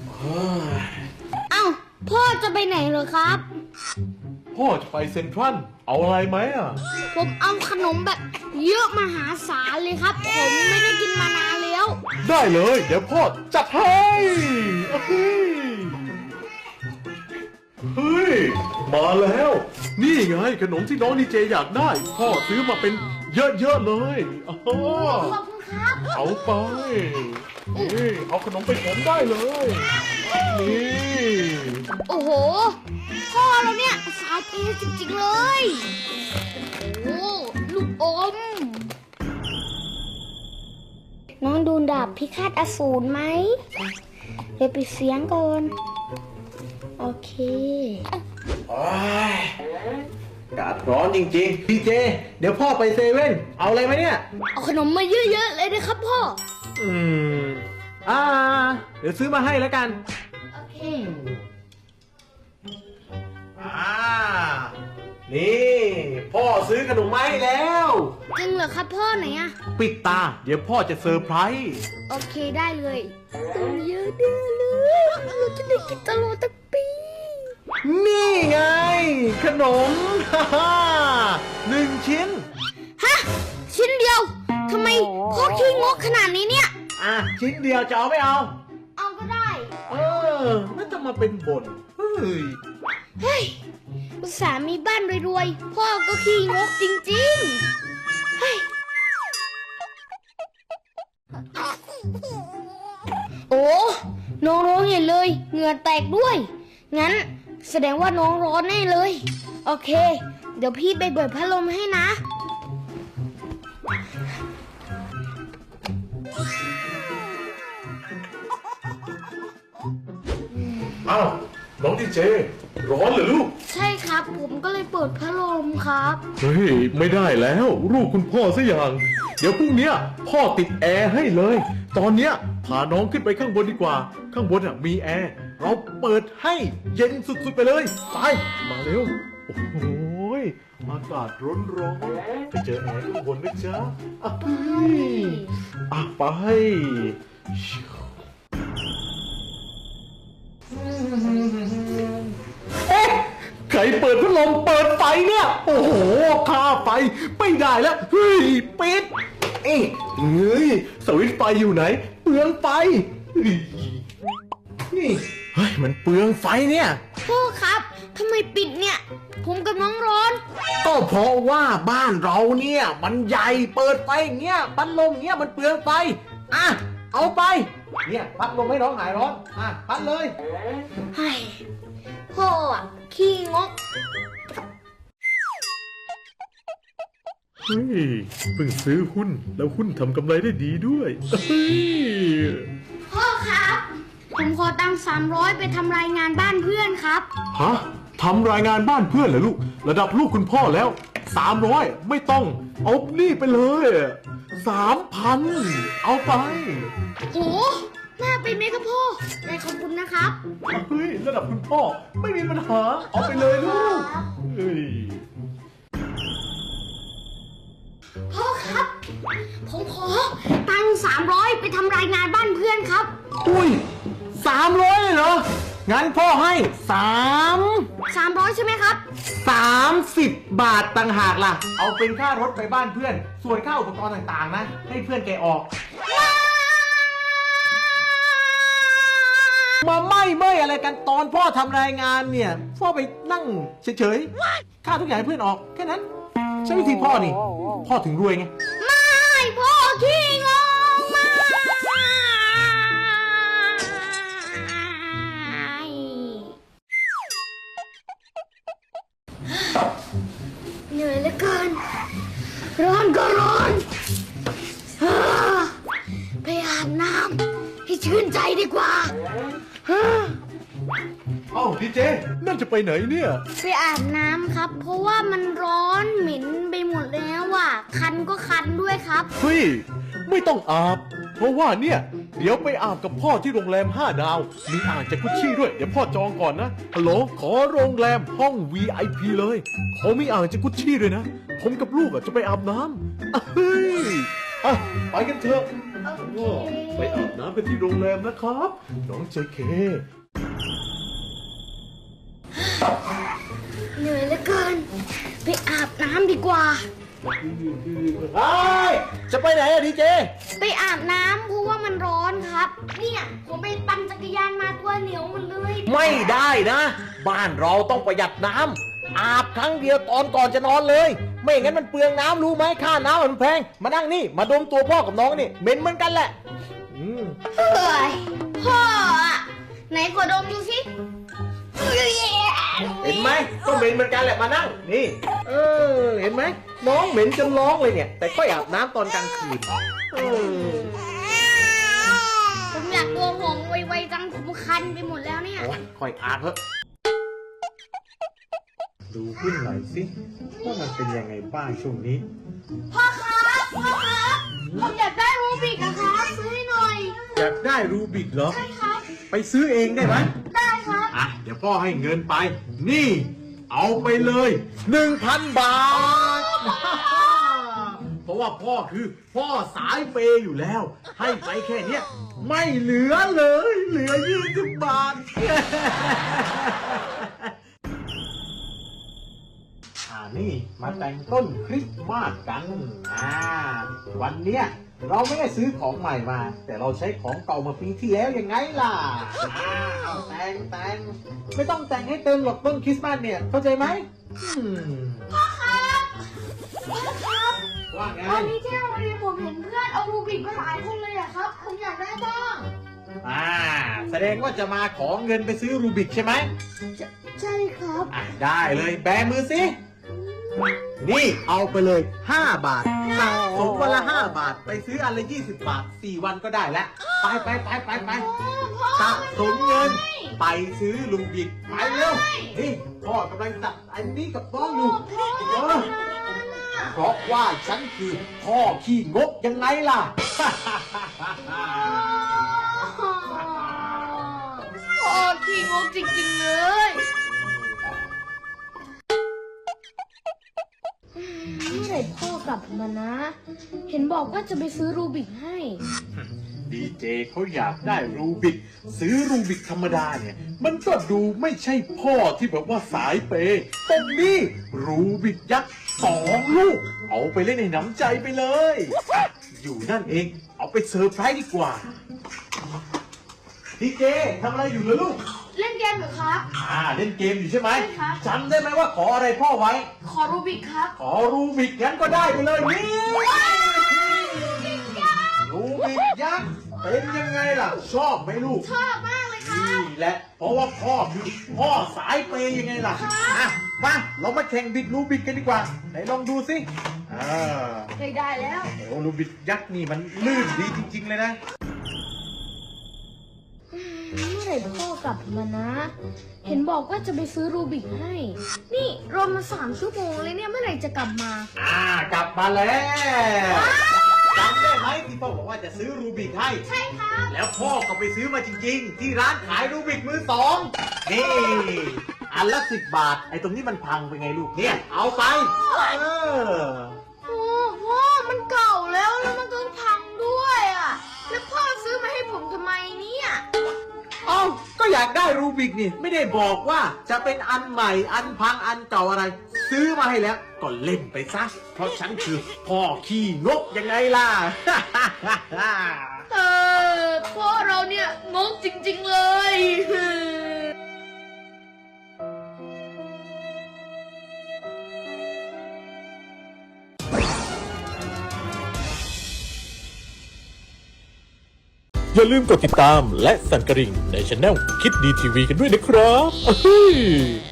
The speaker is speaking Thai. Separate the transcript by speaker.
Speaker 1: เอ้าพ่อจะไปไหนเหรอครับ
Speaker 2: พ่อจะไปเซ็นทรัลเอาอะไรไหมอ่ะ
Speaker 1: ผมเอาขนมแบบเยอะมหาศาลเลยครับ ผมไม่ได้กินมานานแล้ว
Speaker 2: ได้เลยเดี๋ยวพ่อจัดให้เฮ้ยมาแล้ว นี่ไงขนมที่น้องดีเจอยากได้ พ่อซื้อมาเป็นเยอะๆเลยอ๋อ
Speaker 1: ขอบคุณครับ
Speaker 2: เอาไปนี่เอาขนมไปผมได้เลยนี่
Speaker 1: โอ้โห พ่อเราเนี่ยสายเปย์จริงๆเลย โอ้ลูกอม น้องดูดาบพิฆาตอสูรไหมเดี๋ยวไปเสียงก่อน โอเค
Speaker 2: โอ้ยอากาศร้อนจริงๆดีเจเดี๋ยวพ่อไปเซเว่นเอาอะไรไหมเนี่ย
Speaker 1: เอาขนมมาเยอะๆเลยนะครับพ่อ
Speaker 2: อืมอ่าเดี๋ยวซื้อมาให้แล้วกัน
Speaker 1: โอเค
Speaker 2: นี่พ่อซื้อขนมมาให้แล้ว
Speaker 1: จริงเหรอครับพ่อไหนอะ
Speaker 2: ปิดตา เดี๋ยวพ่อจะเซอร์ไพรส์
Speaker 1: โอเคได้เลยต้องเยอะแน่เลยเราจะได้กินตลอดทั้งปี
Speaker 2: นี่ไง ขนม ฮ่าฮ่า1 ชิ้น
Speaker 1: ฮะ ชิ้นเดียวทำไมพ่อขี้งกขนาดนี้เนี่ย
Speaker 2: อ่ะ ชิ้นเดียวจะเอาไม่เอา
Speaker 1: เอาก็ได้
Speaker 2: ไม่ต้องมาเป็นบ่นเฮ้ย
Speaker 1: เฮ้ยอุตส่าห์มีบ้านรวยๆ พ่อก็ขี้งกจริงๆ เฮ้ย โอ้น้องร้องเห็นเลย เหงื่อแตกด้วย งั้นแสดงว่าน้องร้อนแน่เลย โอเค เดี๋ยวพี่ไปเปิดพัดลมให้นะ
Speaker 2: อ้าวน้องดีเจ ร้อนเหรอลูก
Speaker 1: ใช่ครับ ผมก็เลยเปิดพัดลมครับ
Speaker 2: เฮ้ย ไม่ได้แล้วลูกคุณพ่อซะอย่าง เดี๋ยวพรุ่งเนี้ยพ่อติดแอร์ให้เลย ตอนเนี้ยพาน้องขึ้นไปข้างบนดีกว่า ข้างบนอ่ะมีแอร์เราเปิดให้เย็นสุดๆไปเลยไปมาเร็ว โอ้โหยอากาศร้อนๆไปเจอแอร์ข้างบนนะจ๊ะอ่ะไปเอ๊ะใครเปิดพัดลมเปิดไฟเนี่ย โอ้โหค่าไฟไม่ได้แล้ว เฮ้ยปิดเอ้ยเฮ้ยสวิตช์ไฟอยู่ไหน เปลืองไฟเฮ้ยนี่เฮ้ยมันเปลืองไฟเนี่ย
Speaker 1: พ่อครับทำไมปิดเนี่ย ผมกับน้องร้อน
Speaker 2: ก็เพราะว่าบ้านเราเนี่ย มันใหญ่เปิดไฟอย่างเงี้ยพัดลมเงี้ยมันเปลืองไฟอ่ะเอาไป เนี่ยพัดลมให้น้องหายร้อนอ่ะพัดเลย
Speaker 1: เฮ้ยพ่ออะขี้งก
Speaker 2: เฮ้ยเพิ่งซื้อหุ้นแล้วหุ้นทำกำไรได้ดีด้วยเฮ้ย
Speaker 1: พ่อครับ ผมขอตังค์300ไปทำรายงานบ้านเพื่อนครับ
Speaker 2: ฮะทำรายงานบ้านเพื่อนเหรอลูก ระดับลูกคุณพ่อแล้ว300ไม่ต้องเอานี่ไปเลย3,000เอาไป
Speaker 1: โหน่าไปไหมครับพ่อได้ขอบคุณนะครับ
Speaker 2: เฮ้ยระดับคุณพ่อไม่มีปัญหาเอาไปเลยลูกเฮ้ย
Speaker 1: พ่อครับ ผมขอตังค์300ไปทำรายงานบ้านเพื่อนครับ
Speaker 2: อุ้ย300เลยเหรองั้นพ่อให้
Speaker 1: 300ใช่ไหมครับ
Speaker 2: 30 บาทต่างหากล่ะ เอาเป็นค่ารถไปบ้านเพื่อน ส่วนค่าอุปกรณ์ต่างๆนะ ให้เพื่อนแกออก มาไม่อะไรกันตอนพ่อทำรายงานเนี่ย พ่อไปนั่งเฉยๆ ค่าทุกอย่างให้เพื่อนออก แค่นั้น ใช้วิธีพ่อนี่ พ่อถึงรวยไง
Speaker 1: ไม่พ่อขี้งกมากเหนื่อยเหลือเกิน ร้อนก็ร้อนไปอาบน้ำให้ชื่นใจดีกว่า
Speaker 2: เอ้าดีเจนั่นจะไปไหนเนี่ย
Speaker 1: ไปอาบน้ำครับ เพราะว่ามันร้อนเหม็นไปหมดแล้วอ่ะ คันก็คันด้วยครับ
Speaker 2: เฮ้ย ไม่ต้องอาบ เพราะว่าเนี่ย เดี๋ยวไปอาบกับพ่อที่โรงแรม5 ดาว มีอ่างจากกุชชี่ด้วย เดี๋ยวพ่อจองก่อนนะ ฮัลโหล ขอโรงแรมห้อง VIP เลยเขามีอ่างจากกุชชี่ด้วยนะ ผมกับลูกอ่ะจะไปอาบน้ำเฮ้ย อ่ะ ไปกันเถอะ
Speaker 1: โอ
Speaker 2: ก็
Speaker 1: เค
Speaker 2: ไปอาบน้ำกันที่โรงแรมนะครับ น้องเจเค
Speaker 1: เหนื่อยเหลือเกิน ไปอาบน้ำดีกว่า
Speaker 2: เฮ้ยจะไปไหนอะดีเจ
Speaker 1: ไปอาบน้ำเพราะว่ามันร้อนครับ เนี่ยผมไปปั่นจักรยานมาตัวเหนียวหมดเลย
Speaker 3: ไม่ได้นะ บ้านเราต้องประหยัดน้ำอาบครั้งเดียวตอนก่อนจะนอนเลย ไม่อย่างนั้นมันเปลืองน้ำรู้ไหมค่าน้ำมันแพงมานั่งนี่มาดมตัวพ่อกับน้องนี่เหม็นเหมือนกันแหละ
Speaker 1: เฮ้ยพ่ออะไหนขอดมดูสิ
Speaker 3: เห็นไหมก็เหม็นเหมือนกันแหละมานั่งนี่เห็นไหมน้องเหม็นจนร้องเลยเนี่ย แต่ก็อาบน้ำตอนกลางคืนเออ
Speaker 1: ผมอยากตัวหงไวๆจังผมคันไปหมดแล้วเนี่ย
Speaker 3: โอ้ยค่อยอาบเถอะ
Speaker 2: ดูขึ้นหน่อยสิว่ามันเป็นยังไงบ้างช่วงนี้
Speaker 1: พ่อครับพ่อครับผมอยากได้รูบิกอะครับซื้อให้หน่อย
Speaker 2: อยากได้รูบิกเหรอ
Speaker 1: ใช่ครับ
Speaker 2: ไปซื้อเองได้ไหม
Speaker 1: ได้ครับ
Speaker 2: อ่ะ เดี๋ยวพ่อให้เงินไป นี่ เอาไปเลย 1,000 บาท เพราะว่าพ่อคือพ่อสายเปย์อยู่แล้ว ให้ไปแค่เนี้ยไม่เหลือเลย เหลือ20 บาท
Speaker 3: นี่มาแต่งต้นคริสต์มาสกันวันเนี้ยเราไม่ได้ซื้อของใหม่มา แต่เราใช้ของเก่ามาปีที่แล้วยังไงล่ะแต่งไม่ต้องแต่งให้เติมหรอกต้นคริสต์มาสเนี่ยเข้าใจไหม
Speaker 1: พ่อครับ
Speaker 3: ว่าไง
Speaker 1: วันนี้ที่โรงเรียนผมเห็นเพื่อนเอารูบิกมาหลายคนเลยอะครับ ผมอยากได้บ้าง
Speaker 3: แสดงว่าจะมาขอเงินไปซื้อรูบิกใช่ไหม
Speaker 1: ใช่ครับ
Speaker 3: ได้เลยแบมือสินี่เอาไปเลย5 บาทสะสมวันละ5 บาทไปซื้ออันละ20 บาท4 วันก็ได้แล้วไปสะสมเงิน ไปซื้อลูบิกไปเร็วนี่พ่อกำลังตัดอันนี้กับน้องอยู่เพราะว่าฉันคือพ่อขี้งกยังไงล่ะ
Speaker 1: พ่อขี้งกจริงๆเลย เมื่อไหร่พ่อกลับมานะ เห็นบอกว่าจะไปซื้อรูบิกให้
Speaker 2: ดีเจเขาอยากได้รูบิก ซื้อรูบิกธรรมดาเนี่ย มันก็ดูไม่ใช่พ่อที่แบบว่าสายเปย์ตรงนี้รูบิกยักษ์2 ลูก เอาไปเล่นในน้ำใจไปเลยอ่ะอยู่นั่นเอง เอาไปเซอร์ไพรส์ดีกว่า ดีเจทำอะไรอยู่เหรอลูก
Speaker 1: เล่นเกมเหรอครับ
Speaker 2: เล่นเกมอยู่ใช่ไหม
Speaker 1: ใช่ครับ
Speaker 2: จำได้ไหมว่าขออะไรพ่อไว้
Speaker 1: ขอรูบิกครับ
Speaker 2: ขอรูบิกงั้นก็ได้ไปเลยนี่รูบิกยักษ์เป็นยังไงล่ะ ชอบไหมลูก
Speaker 1: ชอบมากเลยครับ
Speaker 2: นี่แหละ เพราะว่าพ่อคือพ่อสายเปย์ยังไงล่ะอ่ะมาเรามาแข่งบิดรูบิกกันดีกว่า ไหนลองดูสิ
Speaker 1: ได้แล้ว
Speaker 2: โอ้รูบิกยักษ์นี่มันลื่นดีจริงๆเลยนะ
Speaker 1: เมื่อไหร่พ่อกลับมานะ เห็นบอกว่าจะไปซื้อรูบิกให้ นี่รอมา3 ชั่วโมงเลยเนี่ย เมื่อไหร่จะกลับมา
Speaker 2: กลับมาแล้วจำได้ไหมที่พ่อบอกว่าจะซื้อรูบิกให้
Speaker 1: ใช่ครับ
Speaker 2: แล้วพ่อก็ไปซื้อมาจริงๆ ที่ร้านขายรูบิกมือ 2นี่อันละ10 บาท ไอ้ตรงนี้มันพังไปไงลูกเนี่ย เอาไป
Speaker 1: โอ้พ่อมันเก่าแล้วมันต้องพังด้วยอ่ะ แล้วพ่อซื้อมาให้ผมทำไมเนี่ย
Speaker 3: เอ้าก็อยากได้รูบิกนี่ไม่ได้บอกว่าจะเป็นอันใหม่อันพังอันเก่าอะไร ซื้อมาให้แล้วก็เล่นไปซะเพราะฉันคือพ่อขี้งกยังไงล่ะ
Speaker 1: พ่อเราเนี่ยงกจริงๆเลย
Speaker 2: อย่าลืมกดติดตามและสั่นกระดิ่งในช่องคิดดีทีวีกันด้วยนะครับ